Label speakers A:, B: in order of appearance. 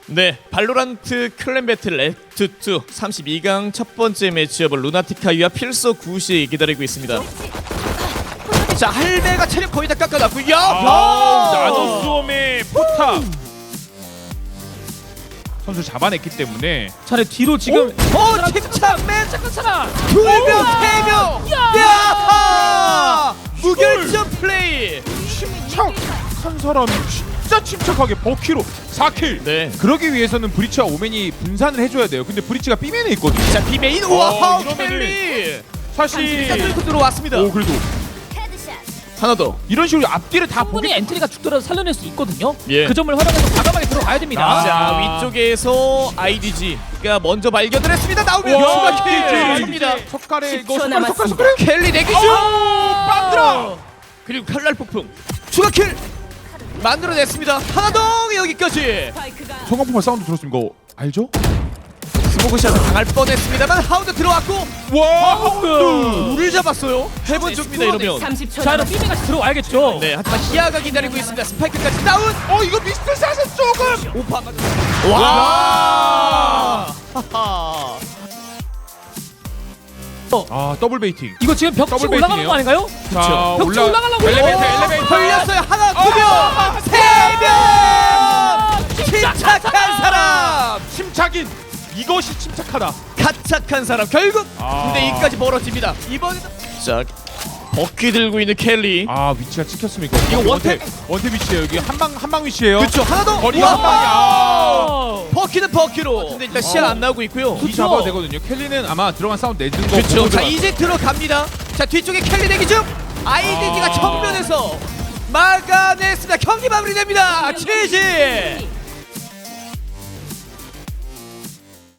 A: 네, 발로란트 클랜 배틀 액트 2 32강 첫 번째 매치업을 루나티카이와 필소 구시 기다리고 있습니다. 자, 할배가 체력 거의 다 깎아놨고, 야!
B: 나노수험의 포탑 선수 잡아냈기 때문에
C: 차례 뒤로 지금
A: 침착맨!
C: 잠깐만.
A: 2명, 3명! 야! 무결점 플레이!
B: 침착한 사람이 진짜 침착하게 버키로 4킬.
A: 네.
B: 그러기 위해서는 브리치와 오맨이 분산을 해줘야 돼요. 근데 브리치가 B맨에 있거든요.
A: 자, 비메인! 우와!
B: 이러면은
A: 켈리!
B: 사실
A: 일단 뚫고 들어왔습니다.
B: 오 그래도
A: 하나 더.
B: 이런 식으로 앞뒤를 다
C: 충분히
B: 보게
C: 엔트리가 죽더라도 살려낼 수 있거든요.
A: 예.
C: 그 점을 활용해서 과감하게 들어가야 됩니다.
A: 자, 위쪽에서 IDG가 먼저 발견을 했습니다. 나오면
B: 와,
A: 추가킬!
B: IDG.
A: 합니다.
B: 석가래 이거
D: 10초
B: 석가래
D: 남았습니다.
A: 켈리 내기죠!
B: 빵들어.
A: 그리고 칼날 폭풍 추가킬! 만들어냈습니다. 하나 더 여기까지!
B: 성광풍만 사운드 들었으면 이거 알죠?
A: 스모그샷을 당할 뻔했습니다만 하운드 들어왔고
B: 와 하운드.
A: 물을 잡았어요. 해본 적입니다 이러면.
D: 30초
C: 자, 이런
D: 남았습니다.
C: 삐메같이 들어와야겠죠.
A: 네, 하지만 히아가 기다리고 있습니다. 스파이크까지 다운!
B: 이거 미스터 샷은 조금.
A: 오파 맞 와! 하하.
B: 더블 베이팅.
C: 이거 지금 벽 치고
B: 더블
C: 올라가는
B: 베이팅이에요?
C: 거 아닌가요?
B: 자
C: 벽 치고 올라가려고요.
B: 엘리베이터.
A: 걸렸어요. 하나, 두 명, 세 명! 침착한 사람!
B: 침착인 이것이 침착하다.
A: 가착한 사람 결국
B: 아.
A: 9대2까지 벌어집니다. 이번에는 자, 버키 들고 있는 켈리.
B: 위치가 찍혔습니까?
A: 이거 원탭?
B: 원탭 위치예요. 여기 한방 위치예요.
A: 그렇죠. 하나 더.
B: 거리가
A: 우와!
B: 한 방이야.
A: 버키는 버키로. 근데 일단 시야 안 나오고 있고요.
B: 이 잡아도 되거든요. 켈리는 아마 들어간 사운드 내준 거
A: 그렇죠.
B: 보고
A: 자,
B: 들어가-
A: 이제 들어갑니다. 자, 뒤쪽에 켈리 대기 중. IDG가 정면에서 막아냈습니다. 경기 마무리됩니다. GG.